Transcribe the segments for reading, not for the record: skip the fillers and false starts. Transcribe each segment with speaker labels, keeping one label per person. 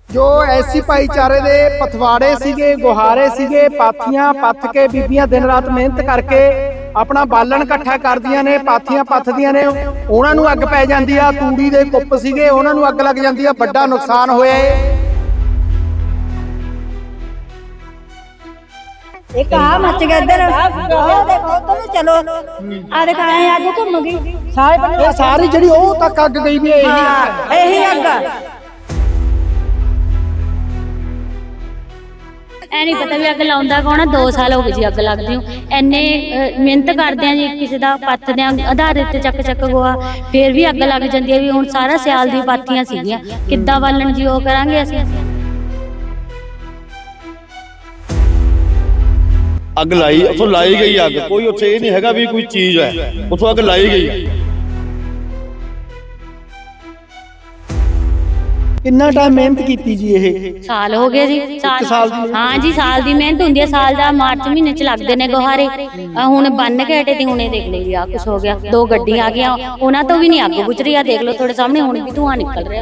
Speaker 1: ਜੋ ਐਸੀ ਭਾਈਚਾਰੇ ਦੇ ਪਥਵਾੜੇ ਸੀਗੇ, ਗੁਹਾਰੇ ਸੀਗੇ, ਪਾਥੀਆਂ ਪੱਥ ਕੇ ਬੀਬੀਆਂ ਦਿਨ ਰਾਤ ਮਿਹਨਤ ਕਰਕੇ ਆਪਣਾ ਬਾਲਣ ਇਕੱਠਾ ਕਰਦੀਆਂ ਨੇ, ਪਾਥੀਆਂ ਪੱਥਦੀਆਂ ਨੇ, ਉਹਨਾਂ ਨੂੰ ਅੱਗ ਪੈ ਜਾਂਦੀ ਆ। ਤੂੜੀ ਦੇ ਕੁੱਪ ਸੀਗੇ, ਉਹਨਾਂ ਨੂੰ ਅੱਗ ਲੱਗ ਜਾਂਦੀ ਆ, ਵੱਡਾ ਨੁਕਸਾਨ ਹੋਇਆ ਏ।
Speaker 2: एक मच गया इधर देखो तो चलो आ देखा आज घूम गई
Speaker 1: ਇਹ ਸਾਰੀ ਜਿਹੜੀ ਉਹ ਤੱਕ ਅੱਗ ਗਈ ਵੀ
Speaker 2: यही अग
Speaker 3: ਐ ਨਹੀਂ ਪਤਾ ਵੀ ਅੱਗ ਲਾਉਂਦਾ ਕੌਣ ਆ। 2 ਸਾਲ ਹੋ ਗਏ ਜੀ ਅੱਗ ਲੱਗਦੀ ਨੂੰ। ਐਨੇ ਮਿਹਨਤ ਕਰਦੇ ਆ ਜੀ, ਕਿਸੇ ਦਾ ਪੱਥਦੇ ਆ ਆਧਾਰ ਤੇ ਚੱਕ ਗੋਆ, ਫੇਰ ਵੀ ਅੱਗ ਲੱਗ ਜਾਂਦੀ ਹੈ। ਵੀ ਹੁਣ ਸਾਰਾ ਸਿਆਲ ਦੀ ਪਾਥੀਆਂ ਸੀਗੀਆਂ, ਕਿੱਦਾਂ ਬਾਲਣ ਜੀ ਉਹ ਕਰਾਂਗੇ ਅਸੀਂ।
Speaker 4: ਅੱਗ ਲਾਈ, ਉੱਥੋਂ ਲਾਈ ਗਈ ਅੱਗ, ਕੋਈ ਉੱਥੇ ਇਹ ਨਹੀਂ ਹੈਗਾ ਵੀ ਕੋਈ ਚੀਜ਼ ਹੈ, ਉੱਥੋਂ ਅੱਗ ਲਾਈ ਗਈ।
Speaker 1: ਕਿੰਨਾ ਟਾਈਮ ਮਿਹਨਤ ਕੀਤੀ ਜੀ? ਇਹ
Speaker 3: ਸਾਲ ਹੋ ਗਏ ਜੀ।
Speaker 1: ਸਾਲ ਦੀ?
Speaker 3: ਹਾਂ ਜੀ, ਸਾਲ ਦੀ ਮਿਹਨਤ ਹੁੰਦੀ ਹੈ। ਸਾਲ ਦਾ ਮਾਰਚ ਮਹੀਨੇ ਚ ਲੱਗਦੇ ਨੇ ਗੁਹਾਰੇ। ਹੁਣ ਬੰਨ ਕੇ ਹਟੇ ਤੇ ਹੁਣੇ ਦੇਖ ਲਈ ਜੀ ਆ ਕੁਛ ਹੋ ਗਿਆ। 2 ਗੱਡੀਆਂ ਆ ਗਈਆਂ, ਉਹਨਾਂ ਤੋਂ ਵੀ ਨਹੀਂ ਅੱਗ ਬੁਝ ਰਹੀ ਆ। ਦੇਖ ਲਓ ਤੁਹਾਡੇ ਸਾਹਮਣੇ ਹੁਣ ਵੀ ਧੂਆਂ ਨਿਕਲ ਰਿਹਾ।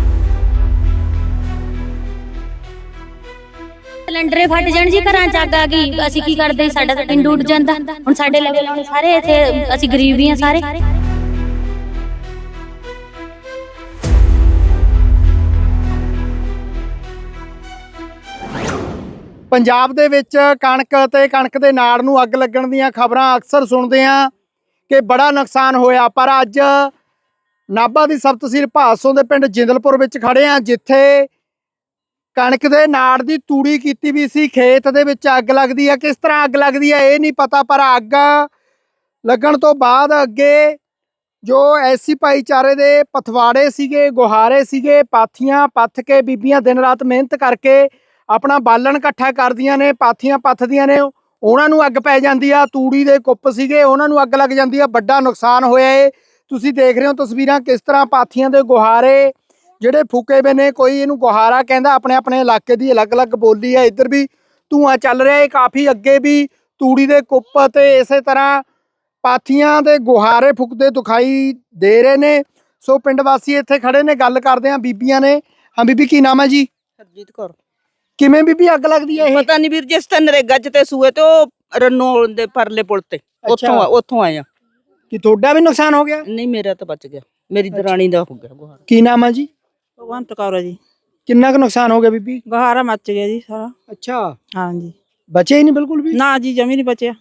Speaker 3: ਸਿਲੰਡਰੇ ਫਟ ਜਾਣ ਜੀ, ਘਰਾਂ ਚ ਅੱਗ ਆ ਗਈ, ਅਸੀਂ ਕੀ ਕਰਦੇ? ਸਾਡਾ ਤਾਂ ਟਿੰਡ ਉੱਡ ਜਾਂਦਾ। ਹੁਣ ਸਾਡੇ ਲੈਵਲ ਵਾਲੇ ਸਾਰੇ ਇੱਥੇ, ਅਸੀਂ ਗਰੀਬ ਹੀ ਆ ਸਾਰੇ।
Speaker 1: ਪੰਜਾਬ ਦੇ ਵਿੱਚ ਕਣਕ ਤੇ ਕਣਕ ਦੇ ਨਾੜ ਨੂੰ ਅੱਗ ਲੱਗਣ ਦੀਆਂ ਖਬਰਾਂ ਅਕਸਰ ਸੁਣਦੇ ਆ ਕਿ ਬੜਾ ਨੁਕਸਾਨ ਹੋਇਆ। ਪਰ ਅੱਜ ਨਾਭਾ ਦੀ ਸਬ ਤਹਿਸੀਲ ਭਾਦਸੋਂ ਦੇ ਪਿੰਡ ਜਿੰਦਲਪੁਰ ਵਿੱਚ ਖੜੇ ਆ, ਜਿੱਥੇ ਕਣਕ ਦੇ ਨਾੜ ਦੀ ਤੂੜੀ ਕੀਤੀ ਵੀ ਸੀ। ਖੇਤ ਦੇ ਵਿੱਚ ਅੱਗ ਲੱਗਦੀ ਆ। ਕਿਸ ਤਰ੍ਹਾਂ ਅੱਗ ਲੱਗਦੀ ਆ ਇਹ ਨਹੀਂ ਪਤਾ, ਪਰ ਅੱਗ ਲੱਗਣ ਤੋਂ ਬਾਅਦ ਅੱਗੇ ਜੋ ਐਸੀ ਭਾਈਚਾਰੇ ਦੇ ਪਥਵਾੜੇ ਸੀਗੇ, ਗੁਹਾਰੇ ਸੀਗੇ, ਪਾਥੀਆਂ ਪੱਥ ਕੇ ਬੀਬੀਆਂ ਦਿਨ ਰਾਤ ਮਿਹਨਤ ਕਰਕੇ ਆਪਣਾ ਬਾਲਣ ਇਕੱਠਾ ਕਰਦੀਆਂ ਨੇ, ਪਾਥੀਆਂ ਪੱਥਦੀਆਂ ਨੇ, ਉਹਨਾਂ ਨੂੰ ਅੱਗ ਪੈ ਜਾਂਦੀ ਆ। ਤੂੜੀ ਦੇ ਕੁੱਪ ਸੀਗੇ, ਉਹਨਾਂ ਨੂੰ ਅੱਗ ਲੱਗ ਜਾਂਦੀ ਆ। ਵੱਡਾ ਨੁਕਸਾਨ ਹੋਇਆ ਏ। ਤੁਸੀਂ ਦੇਖ ਰਹੇ ਹੋ ਤਸਵੀਰਾਂ, ਕਿਸ ਤਰ੍ਹਾਂ ਪਾਥੀਆਂ ਦੇ ਗੁਹਾਰੇ ਜਿਹੜੇ ਫੂਕੇ ਵੇ ਨੇ। ਕੋਈ ਇਹਨੂੰ ਗੁਹਾਰਾ ਕਹਿੰਦਾ, ਆਪਣੇ ਆਪਣੇ ਇਲਾਕੇ ਦੀ ਅਲੱਗ-ਅਲੱਗ ਬੋਲੀ ਹੈ। ਇੱਧਰ ਵੀ ਧੂੰਆਂ ਚੱਲ ਰਿਹਾ ਹੈ, ਕਾਫੀ ਅੱਗੇ ਵੀ ਤੂੜੀ ਦੇ ਕੁੱਪ ਤੇ ਇਸੇ ਤਰ੍ਹਾਂ ਪਾਥੀਆਂ ਦੇ ਗੁਹਾਰੇ ਫੁੱਕਦੇ ਦਿਖਾਈ ਦੇ ਰਹੇ ਨੇ। ਸੋ ਪਿੰਡ ਵਾਸੀ ਇੱਥੇ ਖੜੇ ਨੇ, ਗੱਲ ਕਰਦੇ ਆ ਬੀਬੀਆਂ ਨੇ। ਹਾਂ ਬੀਬੀ, ਕੀ ਨਾਮ ਹੈ ਜੀ?
Speaker 5: ਹਰਜੀਤ ਕੌਰ।
Speaker 1: ਕਿਵੇਂ ਬੀਬੀ ਅੱਗ ਲੱਗਦੀ ਹੈ ਇਹ?
Speaker 5: ਪਤਾ ਨਹੀਂ ਵੀਰ, ਜਿਸ ਤਾਂ ਨਰੇਗਾ ਚ ਤੇ ਸੂਏ ਤੇ ਉਹ ਰੰਨੋ ਦੇ ਪਰਲੇ ਪੁਲ ਤੇ ਉੱਥੋਂ ਆਇਆ।
Speaker 1: ਕਿ ਤੁਹਾਡਾ ਵੀ ਨੁਕਸਾਨ ਹੋ ਗਿਆ?
Speaker 5: ਨਹੀਂ, ਮੇਰਾ ਤਾਂ ਬਚ ਗਿਆ, ਮੇਰੀ ਦਰਾਣੀ ਦਾ ਹੋ ਗਿਆ ਗੁਹਾਰਾ।
Speaker 1: ਕੀ ਨਾਮ ਹੈ ਜੀ?
Speaker 6: ਭਗਵੰਤ ਕੌਰ ਜੀ।
Speaker 1: ਕਿੰਨਾ ਕੁ ਨੁਕਸਾਨ ਹੋ ਗਿਆ ਬੀਬੀ?
Speaker 6: ਗੁਹਾਰਾ ਮੱਚ ਗਿਆ ਜੀ ਸਾਰਾ।
Speaker 1: ਅੱਛਾ,
Speaker 6: ਹਾਂਜੀ।
Speaker 1: ਬਚੇ ਹੀ ਨਹੀਂ ਬਿਲਕੁਲ ਵੀ?
Speaker 6: ਨਾ ਜੀ, ਜਮੀ ਨਹੀਂ ਬਚਿਆ।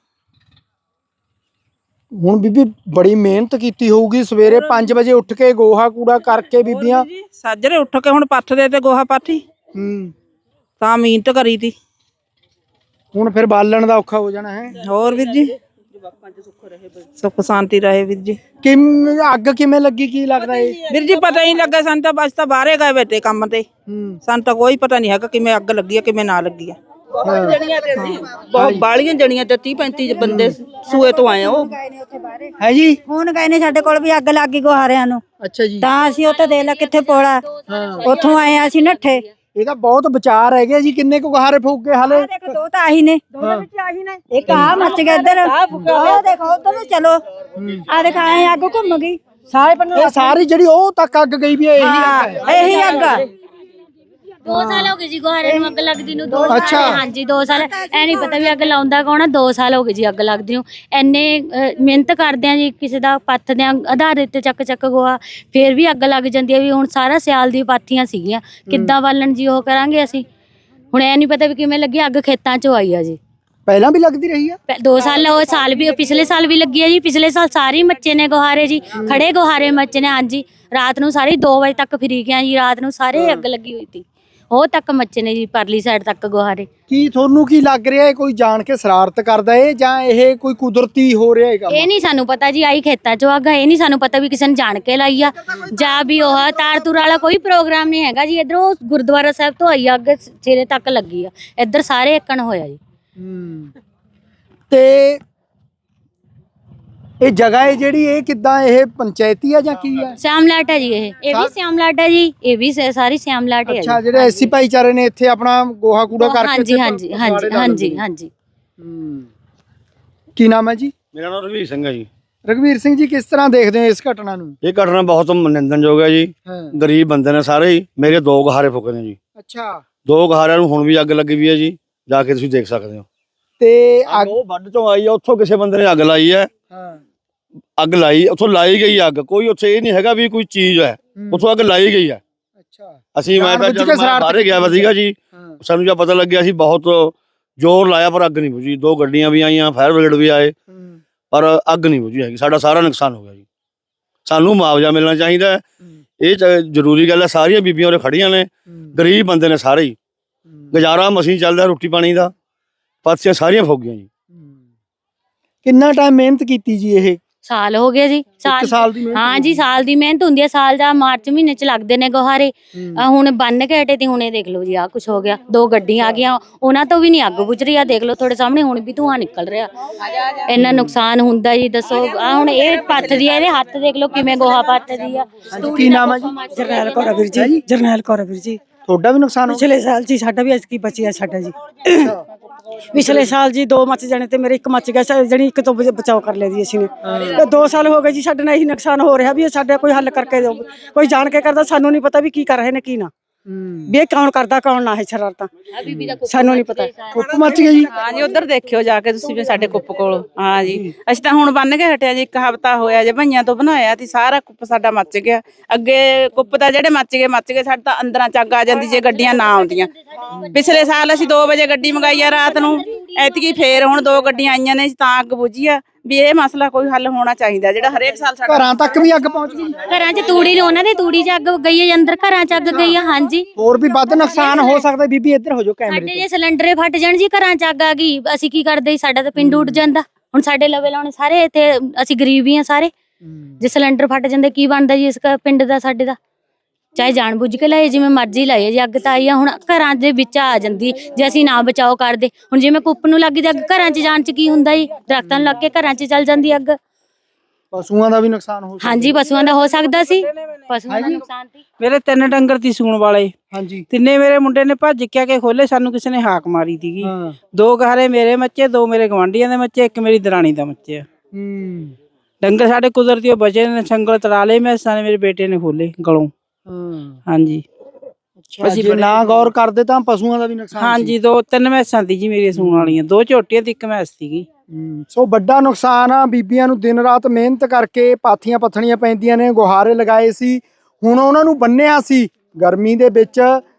Speaker 1: ਹੁਣ ਬੀਬੀ ਬੜੀ ਮਿਹਨਤ ਕੀਤੀ ਹੋਊਗੀ, ਸਵੇਰੇ 5 ਵਜੇ ਉੱਠ ਕੇ ਗੋਹਾ ਕੂੜਾ ਕਰਕੇ ਬੀਬੀਆਂ
Speaker 6: ਸਾਜਰੇ ਉੱਠ ਕੇ ਹੁਣ ਪੱਥਦੇ ਤੇ ਗੋਹਾ ਪਾਥੀ ਤਾਂ ਮਿਹਨਤ ਕਰੀ ਤੀ।
Speaker 1: ਹੁਣ ਫਿਰ ਬਾਲਣ ਦਾ ਔਖਾ ਹੋ ਜਾਣਾ ਹੈ।
Speaker 6: ਹੋਰ ਵੀਰ ਜੀ, ਸੁੱਖ ਸ਼ਾਂਤੀ ਰਹੇ ਵੀਰ ਜੀ।
Speaker 1: ਅੱਗ ਕਿਵੇਂ ਲੱਗੀ, ਕੀ ਲੱਗਦਾ ਏ?
Speaker 6: ਵੀਰ ਜੀ ਪਤਾ ਹੀ ਨਹੀਂ ਲੱਗਾ ਸਾਨੂੰ ਤਾਂ, ਬਸ ਤਾਂ ਬਾਹਰੇ ਗਏ ਬੈਠੇ ਕੰਮ ਤੇ। ਸਾਨੂੰ ਤਾਂ ਕੋਈ ਪਤਾ ਨਹੀਂ ਹੈਗਾ ਕਿਵੇਂ ਅੱਗ ਲੱਗੀ ਆ, ਕਿਵੇਂ ਨਾ ਲੱਗੀ ਆ।
Speaker 5: ਬਹੁਤ ਜਣੀਆਂ ਤੇ ਸੀ, ਬਹੁਤ ਬਾਲੀਆਂ ਜਣੀਆਂ ਤੇ 30-35 ਬੰਦੇ ਸੂਏ ਤੋਂ ਆਏ ਉਹ।
Speaker 1: ਹੈ ਜੀ?
Speaker 2: ਹੁਣ ਗਏ ਨੇ ਸਾਡੇ ਕੋਲ ਵੀ ਅੱਗ ਲੱਗ ਗਈ ਗੁਹਾਰਿਆਂ ਨੂੰ।
Speaker 1: ਅੱਛਾ ਜੀ।
Speaker 2: ਤਾਂ ਅਸੀਂ ਉੱਥੇ ਦੇਖ ਲੈ ਕਿੱਥੇ ਪੋਲਾ, ਉੱਥੋਂ ਆਏ ਆ ਅਸੀਂ ਨੱਠੇ।
Speaker 1: ਇਹ ਤਾਂ ਬਹੁਤ ਵਿਚਾਰ ਹੈਗੇ ਜੀ। ਕਿੰਨੇ ਕੁ ਗੁਹਾਰੇ ਫੂਕ ਕੇ ਹਾਲੇ?
Speaker 2: ਦੇਖੋ 2 ਤਾਂ ਆਹੀ ਨੇ, ਇੱਕ ਮਚ ਗਿਆ ਇੱਧਰ ਦੇਖੋ ਉਧਰ ਚਲੋ ਆ ਦੇਖਾ ਅੱਗ ਘੁੰਮ ਗਈ ਸਾਰੇ।
Speaker 1: ਇਹ ਸਾਰੀ ਜਿਹੜੀ ਉਹ ਤੱਕ ਅੱਗ ਗਈ ਵੀ ਹੈ,
Speaker 2: ਇਹੀ ਅੱਗ।
Speaker 3: 2 ਸਾਲ ਹੋ ਗਏ ਜੀ ਗੁਹਾਰੇ ਨੂੰ ਅੱਗ ਲੱਗਦੀ ਨੂੰ। 2
Speaker 1: ਅੱਛਾ।
Speaker 3: ਸਾਲ, ਹਾਂਜੀ 2 ਸਾਲ। ਐ ਨਹੀਂ ਪਤਾ ਵੀ ਅੱਗ ਲਾਉਂਦਾ ਕੌਣ ਆ। 2 ਸਾਲ ਹੋ ਗਏ ਜੀ ਅੱਗ ਲੱਗਦੀ ਨੂੰ। ਐਨੇ ਮਿਹਨਤ ਕਰਦੇ ਆ ਜੀ, ਕਿਸੇ ਦਾ ਪੱਥਦੇ ਆ ਆਧਾਰ ਤੇ ਚੱਕ ਗੋਆ, ਫੇਰ ਵੀ ਅੱਗ ਲੱਗ ਜਾਂਦੀ ਹੈ। ਵੀ ਹੁਣ ਸਾਰਾ ਸਿਆਲ ਦੀ ਪਾਥੀਆਂ ਸੀਗੀਆਂ, ਕਿੱਦਾਂ ਬਾਲਣ ਜੀ ਉਹ ਕਰਾਂਗੇ ਅਸੀਂ। ਹੁਣ ਐ ਨਹੀਂ ਪਤਾ ਵੀ ਕਿਵੇਂ ਲੱਗੀ ਅੱਗ। ਖੇਤਾਂ ਚੋਂ ਆਈ ਆ ਜੀ।
Speaker 1: ਪਹਿਲਾਂ ਵੀ ਲੱਗਦੀ ਰਹੀ ਆ?
Speaker 3: 2 ਸਾਲ, ਉਹ ਸਾਲ ਵੀ, ਪਿਛਲੇ ਸਾਲ ਵੀ ਲੱਗੀ ਹੈ ਜੀ। ਪਿਛਲੇ ਸਾਲ ਸਾਰੇ ਮੱਚੇ ਨੇ ਗੁਹਾਰੇ ਜੀ, ਖੜੇ ਗੁਹਾਰੇ ਮੱਚੇ ਨੇ। ਹਾਂਜੀ, ਰਾਤ ਨੂੰ ਸਾਰੇ 2 ਵਜੇ ਤੱਕ ਫਿਰੀ ਗਿਆ ਜੀ। ਰਾਤ ਨੂੰ ਸਾਰੇ ਅੱਗ ਲੱਗੀ ਹੋਈ ਸੀ, ਉਹ ਤੱਕ ਮੱਚੇ ਨੇ ਜੀ, ਪਰਲੀ ਸਾਈਡ ਤੱਕ ਗੁਹਾਰੇ।
Speaker 1: ਕੀ ਤੁਹਾਨੂੰ ਕੀ ਲੱਗ ਰਿਹਾ ਹੈ, ਕੋਈ ਜਾਣ ਕੇ ਸ਼ਰਾਰਤ ਕਰਦਾ ਏ ਜਾਂ ਇਹ ਕੋਈ ਕੁਦਰਤੀ ਹੋ ਰਿਹਾ ਹੈਗਾ?
Speaker 3: ਇਹ ਨਹੀਂ ਸਾਨੂੰ ਪਤਾ ਜੀ, ਆਈ ਖੇਤਾਂ ਚੋਂ ਅੱਗ। ਇਹ ਨਹੀਂ ਸਾਨੂੰ ਪਤਾ ਵੀ ਕਿਸੇ ਨੇ ਜਾਣ ਕੇ ਲਾਈ ਆ ਜਾਂ ਵੀ ਉਹ ਤਾਰ ਤੁਰ ਵਾਲਾ ਕੋਈ ਪ੍ਰੋਗਰਾਮ ਨਹੀਂ ਹੈਗਾ ਜੀ। ਇਧਰੋਂ ਗੁਰਦੁਆਰਾ ਸਾਹਿਬ ਤੋਂ ਆਈ ਅੱਗ, ਸਿਰੇ ਤੱਕ ਲੱਗੀ ਆ। ਇੱਧਰ ਸਾਰੇ ਏਕਣ ਹੋਇਆ ਜੀ।
Speaker 1: ਤੇ ਇਹ ਜਗ੍ਹਾ ਹੈ ਜਿਹੜੀ, ਇਹ ਕਿੱਦਾਂ, ਇਹ ਪੰਚਾਇਤੀ ਆ ਜਾਂ ਕੀ ਆ?
Speaker 3: ਸਿਆਮਲਾਟ ਹੈ ਜੀ। ਇਹ ਵੀ ਸਿਆਮਲਾਟ ਹੈ ਜੀ, ਇਹ ਵੀ ਸਾਰੀ ਸਿਆਮਲਾਟ ਹੈ।
Speaker 1: ਅੱਛਾ, ਜਿਹੜੇ ਐਸੀ ਭਾਈਚਾਰੇ ਨੇ ਇੱਥੇ ਆਪਣਾ ਗੋਹਾ ਕੂੜਾ ਕਰਕੇ।
Speaker 3: ਹਾਂਜੀ ਹਾਂਜੀ ਹਾਂਜੀ ਹਾਂਜੀ ਹਾਂਜੀ।
Speaker 1: ਕੀ ਨਾਮ ਹੈ ਜੀ?
Speaker 4: ਮੇਰਾ ਨਾਮ ਰਘਵੀਰ ਸਿੰਘ ਹੈ ਜੀ।
Speaker 1: ਰਘਵੀਰ ਸਿੰਘ ਜੀ, ਕਿਸ ਤਰ੍ਹਾਂ ਦੇਖਦੇ ਹੋ ਇਸ ਘਟਨਾ ਨੂੰ?
Speaker 4: ਇਹ ਘਟਨਾ ਬਹੁਤ ਨਿੰਦਣਯੋਗ ਹੈ ਜੀ। ਗਰੀਬ ਬੰਦੇ ਨੇ ਸਾਰੇ ਹੀ। ਮੇਰੇ 2 ਗੁਹਾਰੇ ਫੁੱਕੇ ਨੇ ਜੀ।
Speaker 1: ਅੱਛਾ।
Speaker 4: 2 ਗਹਾਰਿਆਂ ਨੂੰ ਹੁਣ ਵੀ ਅੱਗ ਲੱਗੀ ਵੀ ਹੈ ਜੀ, ਜਾ ਕੇ ਤੁਸੀਂ ਦੇਖ ਸਕਦੇ ਹੋ।
Speaker 1: ਤੇ
Speaker 4: ਅੱਗ ਉਹ ਵੱਢ ਚੋਂ ਆਈ ਆ, ਉੱਥੋਂ ਕਿਸੇ ਬੰਦੇ ਨੇ ਅੱਗ ਲਾਈ ਹੈ।
Speaker 1: ਹਾਂ।
Speaker 4: ਅੱਗ ਲਾਈ, ਉੱਥੋਂ ਲਾਈ ਗਈ ਅੱਗ, ਕੋਈ ਉੱਥੇ ਇਹ ਨਹੀਂ ਹੈਗਾ ਵੀ ਕੋਈ ਚੀਜ਼ ਹੈ, ਉੱਥੋਂ ਅੱਗ ਲਾਈ ਗਈ ਹੈ।
Speaker 1: ਅੱਛਾ।
Speaker 4: ਅਸੀਂ ਮੈਂ ਤਾਂ
Speaker 1: ਜਾਣਬੁੱਝ
Speaker 4: ਜਦੋਂ
Speaker 1: ਕੇ ਸ਼ਰਾਰਤ
Speaker 4: ਬਾਹਰੇ ਗਿਆ ਵਾ ਸੀਗਾ ਜੀ,
Speaker 1: ਹਾਂ।
Speaker 4: ਸਾਨੂੰ ਜਦ ਪਤਾ ਲੱਗਿਆ ਅਸੀਂ ਬਹੁਤ ਜ਼ੋਰ ਲਾਇਆ ਪਰ ਅੱਗ ਨਹੀਂ ਬੁਝੀ। 2 ਗੱਡੀਆਂ ਵੀ ਆਈਆਂ, ਫਾਇਰ ਬ੍ਰਿਗੇਡ ਵੀ ਆਏ, ਪਰ ਅੱਗ ਨਹੀਂ ਬੁਝੀ ਹੈਗੀ। ਸਾਡਾ ਸਾਰਾ ਨੁਕਸਾਨ ਹੋ ਗਿਆ ਜੀ। ਸਾਨੂੰ ਮੁਆਵਜ਼ਾ ਮਿਲਣਾ ਚਾਹੀਦਾ, ਇਹ ਜ਼ਰੂਰੀ ਗੱਲ ਹੈ। ਸਾਰੀਆਂ ਬੀਬੀਆਂ ਉਰੇ ਖੜੀਆਂ ਨੇ, ਗਰੀਬ ਬੰਦੇ ਨੇ ਸਾਰੇ ਹੀ, ਗੁਜ਼ਾਰਾ ਮਸੀਂ ਚੱਲਦਾ ਰੋਟੀ ਪਾਣੀ ਦਾ, ਪਾਥੀਆਂ ਸਾਰੀਆਂ ਫੁੱਕ ਗਈਆਂ ਜੀ।
Speaker 1: ਕਿੰਨਾ ਟਾਈਮ ਮਿਹਨਤ ਕੀਤੀ ਜੀ? ਇਹ
Speaker 3: ਸਾਲ ਹੋ ਗਿਆ ਜੀ।
Speaker 1: 1 ਸਾਲ ਦੀ ਮਿਹਨਤ?
Speaker 3: ਹਾਂ ਜੀ, ਸਾਲ ਦੀ ਮਿਹਨਤ ਹੁੰਦੀ ਹੈ। ਸਾਲ ਦਾ ਮਾਰਚ ਮਹੀਨੇ ਚ ਲੱਗਦੇ ਨੇ ਗੋਹਾਰੇ। ਹੁਣ ਬੰਨ ਕੇ ਹਟੇ ਤੇ ਹੁਣੇ ਦੇਖ ਲਓ ਜੀ, ਆ ਕੁਛ ਹੋ ਗਿਆ। 2 ਗੱਡੀਆਂ ਆ ਗਈਆਂ, ਉਹਨਾਂ ਤੋਂ ਵੀ ਨਹੀਂ ਅੱਗ ਬੁਝ ਰਹੀ ਆ। ਦੇਖ ਲਓ ਤੁਹਾਡੇ ਸਾਹਮਣੇ ਹੁਣ ਵੀ ਧੂਆਂ ਨਿਕਲ ਰਿਹਾ। ਇੰਨਾ ਨੁਕਸਾਨ ਹੁੰਦਾ ਜੀ, ਦੱਸੋ। ਆ ਹੁਣ ਇਹ ਪੱਥਦੀ ਆ, ਇਹਦੇ ਹੱਥ ਦੇਖ ਲਓ ਕਿਵੇਂ ਗੋਹਾ ਪੱਥਦੀ ਆ।
Speaker 1: ਕੀ ਨਾਮ ਹੈ ਜੀ?
Speaker 7: ਜਰਨੈਲ ਕੌਰ ਵੀਰ ਜੀ। ਜਰਨੈਲ ਕੌਰ ਵੀਰ ਜੀ।
Speaker 1: ਤੁਹਾਡਾ ਵੀ ਨੁਕਸਾਨ ਹੋ ਗਿਆ?
Speaker 7: ਪਿਛਲੇ ਸਾਲ ਜੀ ਸਾਡਾ ਵੀ ਐਤਕੀ ਬਚਿਆ ਸਾਡਾ ਜੀ। ਪਿਛਲੇ ਸਾਲ ਜੀ 2 ਮੱਚ ਜਾਣੇ ਤੇ ਮੇਰੇ 1 ਮੱਚ ਗਿਆ, ਜਿਹੜੀ 1 ਤੋਂ ਬਚਾਓ ਕਰ ਲਿਆ ਜੀ ਅਸੀਂ ਨੇ। ਤੇ 2 ਸਾਲ ਹੋ ਗਏ ਜੀ ਸਾਡੇ ਨਾਲ ਇਹੀ ਨੁਕਸਾਨ ਹੋ ਰਿਹਾ ਵੀ ਇਹ ਸਾਡੇ ਕੋਈ ਹੱਲ ਕਰਕੇ ਦਿਓ। ਕੋਈ ਜਾਣ ਕੇ ਕਰਦਾ, ਸਾਨੂੰ ਨਹੀਂ ਪਤਾ ਵੀ ਕੀ ਕਰ ਰਹੇ ਨੇ ਕੀ ਨਾ, ਵੀ ਇਹ ਕੌਣ ਕਰਦਾ ਕੌਣ ਨਾ ਹੈ ਸ਼ਰਾਰਤਾਂ, ਸਾਨੂੰ ਨਹੀਂ ਪਤਾ।
Speaker 1: ਕੁੱਪ ਮੱਚ ਗਈ ਜੀ?
Speaker 6: ਹਾਂ ਜੀ, ਉਧਰ ਦੇਖਿਓ ਜਾ ਕੇ ਤੁਸੀਂ ਵੀ ਸਾਡੇ ਕੁੱਪ ਕੋਲ। ਹਾਂ ਜੀ, ਅਸੀਂ ਤਾਂ ਹੁਣ ਬੰਨ ਕੇ ਹਟਿਆ ਜੀ, 1 ਹਫ਼ਤਾ ਹੋਇਆ ਜੇ ਭਈਆਂ ਤੋਂ ਬਣਾਇਆ ਤੇ ਸਾਰਾ ਕੁੱਪ ਸਾਡਾ ਮੱਚ ਗਿਆ। ਅੱਗੇ ਕੁੱਪ ਦਾ ਜਿਹੜੇ ਮੱਚ ਗਏ ਸਾਡੇ ਤਾਂ ਅੰਦਰਾਂ ਚ ਅੱਗ ਆ ਜਾਂਦੀ ਜੇ ਗੱਡੀਆਂ ਨਾ ਆਉਂਦੀਆਂ। ਪਿਛਲੇ ਸਾਲ ਅਸੀਂ 2 ਵਜੇ ਗੱਡੀ ਮੰਗਾਈ ਆ ਰਾਤ ਨੂੰ, ਐਤਕੀ ਫੇਰ ਹੁਣ 2 ਗੱਡੀਆਂ ਆਈਆਂ ਨੇ ਤਾਂ ਅੱਗ ਬੁਝੀ ਆ। ਵੀ ਇਹ ਮਸਲਾ ਕੋਈ ਹੱਲ ਹੋਣਾ ਚਾਹੀਦਾ, ਜਿਹੜਾ ਹਰੇਕ ਸਾਲ ਸਾਡਾ।
Speaker 1: ਘਰਾਂ ਤੱਕ ਵੀ ਅੱਗ ਪਹੁੰਚ ਗਈ?
Speaker 3: ਘਰਾਂ 'ਚ ਤੂੜੀ ਨੇ, ਉਹਨਾਂ ਦੇ ਤੂੜੀ 'ਚ ਅੱਗ ਗਈ ਹੈ, ਅੰਦਰ ਘਰਾਂ 'ਚ ਅੱਗ ਗਈ ਹੈ। ਹਾਂਜੀ,
Speaker 1: ਹੋਰ ਵੀ ਵੱਧ ਨੁਕਸਾਨ ਹੋ ਸਕਦਾ। ਬੀਬੀ ਇੱਧਰ ਹੋ ਜਾਓ ਕੈਮਰੇ
Speaker 3: ਸਾਡੇ ਜੇ ਸਿਲੰਡਰੇ ਫਟ ਜਾਣ ਜੀ, ਘਰਾਂ 'ਚ ਅੱਗ ਆ ਗਈ, ਅਸੀਂ ਕੀ ਕਰਦੇ ਜੀ? ਸਾਡਾ ਤਾਂ ਪਿੰਡ ਉੱਡ ਜਾਂਦਾ। ਹੁਣ ਸਾਡੇ ਲਵੇ ਲਾਉਣੇ ਸਾਰੇ ਇੱਥੇ, ਅਸੀਂ ਗਰੀਬ ਹੀ ਆ ਸਾਰੇ। ਜੇ ਸਿਲੰਡਰ ਫਟ ਜਾਂਦੇ ਕੀ ਬਣਦਾ ਜੀ ਇਸ ਪਿੰਡ ਦਾ, ਸਾਡੇ ਦਾ? ਚਾਹੇ ਜਾਣ ਬੁੱਝ ਕੇ ਲਾਏ, ਜਿਵੇਂ ਮਰਜ਼ੀ ਲਾਏ ਜੀ। ਅੱਗ ਤਾਂ ਆਈ ਆ, ਹੁਣ ਘਰਾਂ ਦੇ ਵਿੱਚ ਆ ਜਾਂਦੀ ਜੇ ਅਸੀਂ ਨਾ ਬਚਾਓ ਕਰਦੇ। ਹੁਣ ਜਿਵੇਂ ਕੁੱਪ ਨੂੰ ਲੱਗੀ ਤੇ ਅੱਗ ਘਰਾਂ 'ਚ ਜਾਣ 'ਚ ਕੀ ਹੁੰਦਾ ਜੀ? ਦਰਖਤਾਂ ਨੂੰ ਲੱਗ ਕੇ ਘਰਾਂ 'ਚ ਚੱਲ ਜਾਂਦੀ ਅੱਗ।
Speaker 1: ਪਸ਼ੂਆਂ ਦਾ ਵੀ ਨੁਕਸਾਨ ਹੋ ਸਕਦਾ?
Speaker 3: ਹਾਂਜੀ, ਪਸ਼ੂਆਂ ਦਾ ਹੋ ਸਕਦਾ ਸੀ। ਪਸ਼ੂਆਂ ਦਾ ਨੁਕਸਾਨ ਸੀ।
Speaker 6: ਮੇਰੇ 3 ਡੰਗਰ ਤੀ ਸੂਣ ਵਾਲੇ।
Speaker 1: ਹਾਂਜੀ।
Speaker 6: ਤਿੰਨੇ ਮੇਰੇ ਮੁੰਡੇ ਨੇ ਭੱਜ ਕੇ ਆ ਕੇ ਖੋਲੇ, ਸਾਨੂੰ ਕਿਸੇ ਨੇ ਹਾਕ ਮਾਰੀ ਸੀਗੀ। 2 ਗਹਾਰੇ ਮੇਰੇ ਮੱਚੇ, 2 ਮੇਰੇ ਗਵਾਂਢੀਆਂ ਦੇ ਮੱਚੇ, 1 ਮੇਰੀ ਦਰਾਣੀ ਦਾ ਮੱਚਿਆ। ਡੰਗਰ ਸਾਡੇ ਕੁਦਰਤੀ ਬਚੇ ਨੇ, ਸੰਗਲ ਤੜਾ ਲਏ ਮੈਸਾਂ ਨੇ, ਮੇਰੇ ਬੇਟੇ ਨੇ ਖੋਲੇ ਗਲੋਂ। ਹਾਂਜੀ,
Speaker 1: ਅਸੀਂ ਨਾ ਗੌਰ ਕਰਦੇ ਤਾਂ ਪਸ਼ੂਆਂ ਦਾ ਵੀ ਨੁਕਸਾਨ?
Speaker 6: ਹਾਂਜੀ, 2-3 ਮੈਸਾਂ ਦੀ ਜੀ ਮੇਰੀਆਂ ਸੂਣ ਵਾਲੀਆਂ, 2 ਝੋਟੀਆਂ ਤੇ 1 ਮੈਸ ਸੀਗੀ।
Speaker 1: ਸੋ ਵੱਡਾ ਨੁਕਸਾਨ ਆ। ਬੀਬੀਆਂ ਨੂੰ ਦਿਨ ਰਾਤ ਮਿਹਨਤ ਕਰਕੇ ਪਾਥੀਆਂ ਪੱਥਣੀਆਂ ਪੈਂਦੀਆਂ ਨੇ, ਗੁਹਾਰੇ ਲਗਾਏ ਸੀ, ਹੁਣ ਉਹਨਾਂ ਨੂੰ ਬੰਨਿਆ ਸੀ ਗਰਮੀ ਦੇ ਵਿੱਚ,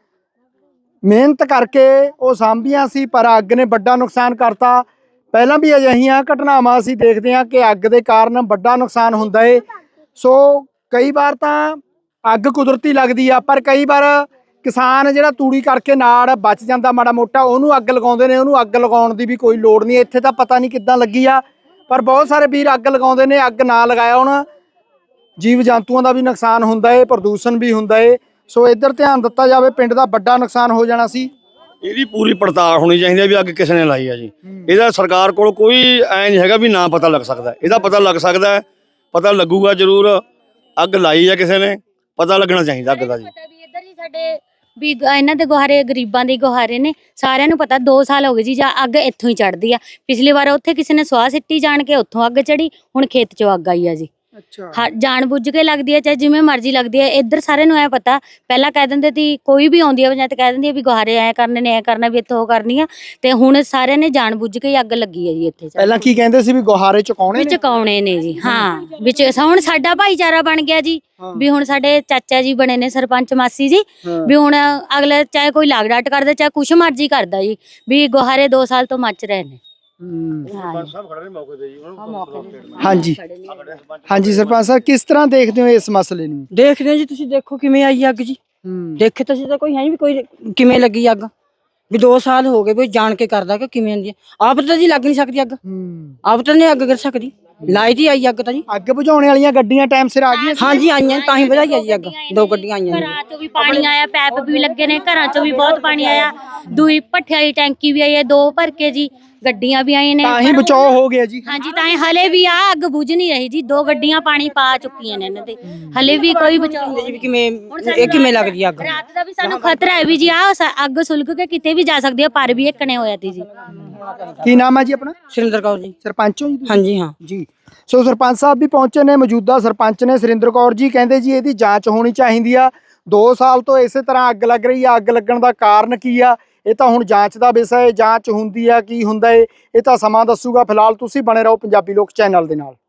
Speaker 1: ਮਿਹਨਤ ਕਰਕੇ ਉਹ ਸਾਂਭੀਆਂ ਸੀ, ਪਰ ਅੱਗ ਨੇ ਵੱਡਾ ਨੁਕਸਾਨ ਕਰਤਾ। ਪਹਿਲਾਂ ਵੀ ਅਜਿਹੀਆਂ ਘਟਨਾਵਾਂ ਅਸੀਂ ਦੇਖਦੇ ਹਾਂ ਕਿ ਅੱਗ ਦੇ ਕਾਰਨ ਵੱਡਾ ਨੁਕਸਾਨ ਹੁੰਦਾ ਏ। ਸੋ ਕਈ ਵਾਰ ਤਾਂ ਅੱਗ ਕੁਦਰਤੀ ਲੱਗਦੀ ਆ, ਪਰ ਕਈ ਵਾਰ ਕਿਸਾਨ ਜਿਹੜਾ ਤੂੜੀ ਕਰਕੇ ਨਾੜ ਬਚ ਜਾਂਦਾ ਮਾੜਾ ਮੋਟਾ, ਉਹਨੂੰ ਅੱਗ ਲਗਾਉਂਦੇ ਨੇ। ਉਹਨੂੰ ਅੱਗ ਲਗਾਉਣ ਦੀ ਵੀ ਕੋਈ ਲੋੜ ਨਹੀਂ। ਇੱਥੇ ਤਾਂ ਪਤਾ ਨਹੀਂ ਕਿੱਦਾਂ ਲੱਗੀ ਆ, ਪਰ ਬਹੁਤ ਸਾਰੇ ਵੀਰ ਅੱਗ ਲਗਾਉਂਦੇ ਨੇ। ਅੱਗ ਨਾ ਲਗਾਇਆ ਹੁਣ ਜੀਵ ਜੰਤੂਆਂ ਦਾ ਵੀ ਨੁਕਸਾਨ ਹੁੰਦਾ ਏ, ਪ੍ਰਦੂਸ਼ਣ ਵੀ ਹੁੰਦਾ ਏ। ਸੋ ਇੱਧਰ ਧਿਆਨ ਦਿੱਤਾ ਜਾਵੇ, ਪਿੰਡ ਦਾ ਵੱਡਾ ਨੁਕਸਾਨ ਹੋ ਜਾਣਾ ਸੀ।
Speaker 4: ਇਹਦੀ ਪੂਰੀ ਪੜਤਾਲ ਹੋਣੀ ਚਾਹੀਦੀ ਹੈ ਵੀ ਅੱਗ ਕਿਸ ਨੇ ਲਾਈ ਹੈ ਜੀ। ਇਹਦਾ ਸਰਕਾਰ ਕੋਲ ਕੋਈ ਐ ਨਹੀਂ ਹੈਗਾ ਵੀ ਨਾ ਪਤਾ ਲੱਗ ਸਕਦਾ। ਇਹਦਾ ਪਤਾ ਲੱਗ ਸਕਦਾ, ਪਤਾ ਲੱਗੂਗਾ ਜ਼ਰੂਰ। ਅੱਗ ਲਾਈ ਹੈ ਕਿਸੇ ਨੇ, ਪਤਾ ਲੱਗਣਾ ਚਾਹੀਦਾ ਅੱਗ ਦਾ ਜੀ।
Speaker 3: ਇੱਧਰ ਜੀ ਸਾਡੇ ਵੀ ਇਹਨਾਂ ਦੇ ਗੁਹਾਰੇ, ਗਰੀਬਾਂ ਦੇ ਗੁਹਾਰੇ ਨੇ, ਸਾਰਿਆਂ ਨੂੰ ਪਤਾ। 2 ਸਾਲ ਹੋ ਗਏ ਜੀ, ਜਾਂ ਅੱਗ ਇੱਥੋਂ ਹੀ ਚੜਦੀ ਆ। ਪਿਛਲੀ ਵਾਰ ਉੱਥੇ ਕਿਸੇ ਨੇ ਸਵਾਹ ਸਿੱਟੀ ਜਾਣ ਕੇ, ਉੱਥੋਂ ਅੱਗ ਚੜੀ। ਹੁਣ ਖੇਤ 'ਚੋਂ ਅੱਗ ਆਈ ਆ ਜੀ।
Speaker 1: ਅੱਛਾ।
Speaker 3: ਜਾਣ ਬੁੱਝ ਕੇ ਲੱਗਦੀ ਹੈ, ਚਾਹੇ ਜਿਵੇਂ ਮਰਜ਼ੀ ਲੱਗਦੀ ਹੈ। ਇੱਧਰ ਸਾਰਿਆਂ ਨੂੰ ਐ ਪਤਾ, ਪਹਿਲਾਂ ਕਹਿ ਦਿੰਦੇ ਸੀ, ਕੋਈ ਵੀ ਆਉਂਦੀ ਆ ਪੰਚਾਇਤ ਕਹਿ ਦਿੰਦੀ ਆ ਵੀ ਗੁਹਾਰੇ ਐ ਕਰਨੇ ਨੇ, ਐ ਕਰਨਾ ਵੀ ਇੱਥੋਂ ਉਹ ਕਰਨੀ ਆ। ਤੇ ਹੁਣ ਸਾਰਿਆਂ ਨੇ ਜਾਣ ਬੁੱਝ ਕੇ ਅੱਗ ਲੱਗੀ ਹੈ ਜੀ ਇੱਥੇ।
Speaker 1: ਪਹਿਲਾਂ ਕੀ ਕਹਿੰਦੇ ਸੀ ਵੀ ਗੁਹਾਰੇ ਚੁਕਾਉਣੇ
Speaker 3: ਵਿੱਚ ਚੁਕਾਉਣੇ ਨੇ ਜੀ। ਹਾਂ, ਵਿੱਚ ਹੁਣ ਸਾਡਾ ਭਾਈਚਾਰਾ ਬਣ ਗਿਆ ਜੀ। ਵੀ ਹੁਣ ਸਾਡੇ ਚਾਚਾ ਜੀ ਬਣੇ ਨੇ ਸਰਪੰਚ, ਮਾਸੀ ਜੀ। ਵੀ ਹੁਣ ਅਗਲੇ ਚਾਹੇ ਕੋਈ ਲਾਗ ਡਾਟ ਕਰਦਾ, ਚਾਹੇ ਕੁਛ ਮਰਜ਼ੀ ਕਰਦਾ ਜੀ, ਵੀ ਗੁਹਾਰੇ 2 ਸਾਲ ਤੋਂ ਮੱਚ ਰਹੇ ਨੇ।
Speaker 1: ਹਾਂਜੀ ਹਾਂਜੀ, ਸਰਪੰਚ ਸਾਹਿਬ ਕਿਸ ਤਰ੍ਹਾਂ ਦੇਖਦੇ ਹੋ ਇਸ ਮਸਲੇ ਨੂੰ?
Speaker 7: ਦੇਖਦੇ ਹਾਂ ਜੀ, ਤੁਸੀਂ ਦੇਖੋ ਕਿਵੇਂ ਆਈ ਅੱਗ ਜੀ। ਦੇਖੇ ਤੁਸੀਂ ਤਾਂ ਕੋਈ ਹੈ ਵੀ, ਕੋਈ ਕਿਵੇਂ ਲੱਗੀ ਅੱਗ, ਵੀ 2 ਸਾਲ ਹੋ ਗਏ, ਵੀ ਜਾਣ ਕੇ ਕਰਦਾ ਕਿ ਕਿਵੇਂ ਹੁੰਦੀ ਹੈ। ਆਪ ਤਾਂ ਜੀ ਲੱਗ ਨਹੀਂ ਸਕਦੀ ਅੱਗ, ਆਪ ਤਾਂ ਨਹੀਂ ਅੱਗ ਕਰ ਸਕਦੀ। ਲਾਈ ਦੀ ਆਈ ਅੱਗ ਤਾਂ ਜੀ।
Speaker 1: ਅੱਗ ਬੁਝਾਉਣ ਵਾਲੀਆਂ ਗੱਡੀਆਂ ਟਾਈਮ ਸਿਰ ਆ ਗਈਆਂ?
Speaker 7: ਹਾਂਜੀ, ਆਈਆਂ ਤਾਂ ਹੀ ਵਧਾਈ ਆ ਜੀ ਅੱਗ। 2 ਗੱਡੀਆਂ ਆਈਆਂ ਨੇ।
Speaker 3: ਘਰਾਂ 'ਚੋਂ ਵੀ ਪਾਣੀ ਆਇਆ, ਪੈਪ ਵੀ ਲੱਗੇ ਨੇ, ਘਰਾਂ 'ਚੋਂ ਵੀ ਬਹੁਤ ਪਾਣੀ ਆਇਆ। ਦੂਈ ਭੱਠੇ ਵਾਲੀ ਟੈਂਕੀ ਵੀ ਆਈ ਹੈ, 2 ਭਰ ਕੇ ਜੀ। ਗੱਡੀਆਂ ਵੀ ਆਈਆਂ ਨੇ,
Speaker 1: ਤਾਂ ਹੀ ਬਚਾਓ ਹੋ ਗਿਆ ਜੀ।
Speaker 3: ਹਾਂਜੀ, ਤਾਂ ਹੀ ਹਲੇ ਵੀ ਆ ਅੱਗ ਬੁਝ ਨਹੀਂ ਰਹੀ ਜੀ। 2 ਗੱਡੀਆਂ ਪਾਣੀ ਪਾ ਚੁੱਕੀਆਂ ਨੇ ਇਹਨਾਂ ਤੇ, ਹਲੇ ਵੀ ਕੋਈ ਬਚਾਓ
Speaker 7: ਜੀ ਕਿਵੇਂ ਇਹ ਕਿਵੇਂ ਲੱਗਦੀ ਅੱਗ?
Speaker 3: ਰਾਤ ਦਾ ਵੀ ਸਾਨੂੰ ਖਤਰਾ ਹੈ ਵੀ ਜੀ, ਆ ਅੱਗ ਸੁਲਗ ਕੇ ਕਿਤੇ ਵੀ ਜਾ ਸਕਦੀ ਹੈ, ਪਰ ਵੀ ਇੱਕਣੇ ਹੋਇਆ ਤੀ ਜੀ।
Speaker 1: ਕੀ ਨਾਮ ਹੈ ਜੀ ਆਪਣਾ?
Speaker 7: ਸੁਰਿੰਦਰ ਕੌਰ ਜੀ।
Speaker 1: ਸਰਪੰਚ ਹੋ ਜੀ?
Speaker 7: ਹਾਂਜੀ ਹਾਂ
Speaker 1: ਜੀ। ਸੋ ਸਰਪੰਚ ਸਾਹਿਬ ਵੀ ਪਹੁੰਚੇ ਨੇ, ਮੌਜੂਦਾ ਸਰਪੰਚ ਨੇ ਸੁਰਿੰਦਰ ਕੌਰ ਜੀ। ਕਹਿੰਦੇ ਜੀ ਇਹਦੀ ਜਾਂਚ ਹੋਣੀ ਚਾਹੀਦੀ ਆ। 2 ਸਾਲ ਤੋਂ ਇਸੇ ਤਰ੍ਹਾਂ ਅੱਗ ਲੱਗ ਰਹੀ ਆ। ਅੱਗ ਲੱਗਣ ਦਾ ਕਾਰਨ ਕੀ ਆ, ਇਹ ਤਾਂ ਹੁਣ ਜਾਂਚ ਦਾ ਵਿਸ਼ਾ ਹੈ। ਜਾਂਚ ਹੁੰਦੀ ਆ, ਕੀ ਹੁੰਦਾ ਏ ਇਹ ਤਾਂ ਸਮਾਂ ਦੱਸੂਗਾ। ਫਿਲਹਾਲ ਤੁਸੀਂ ਬਣੇ ਰਹੋ ਪੰਜਾਬੀ ਲੋਕ ਚੈਨਲ ਦੇ ਨਾਲ।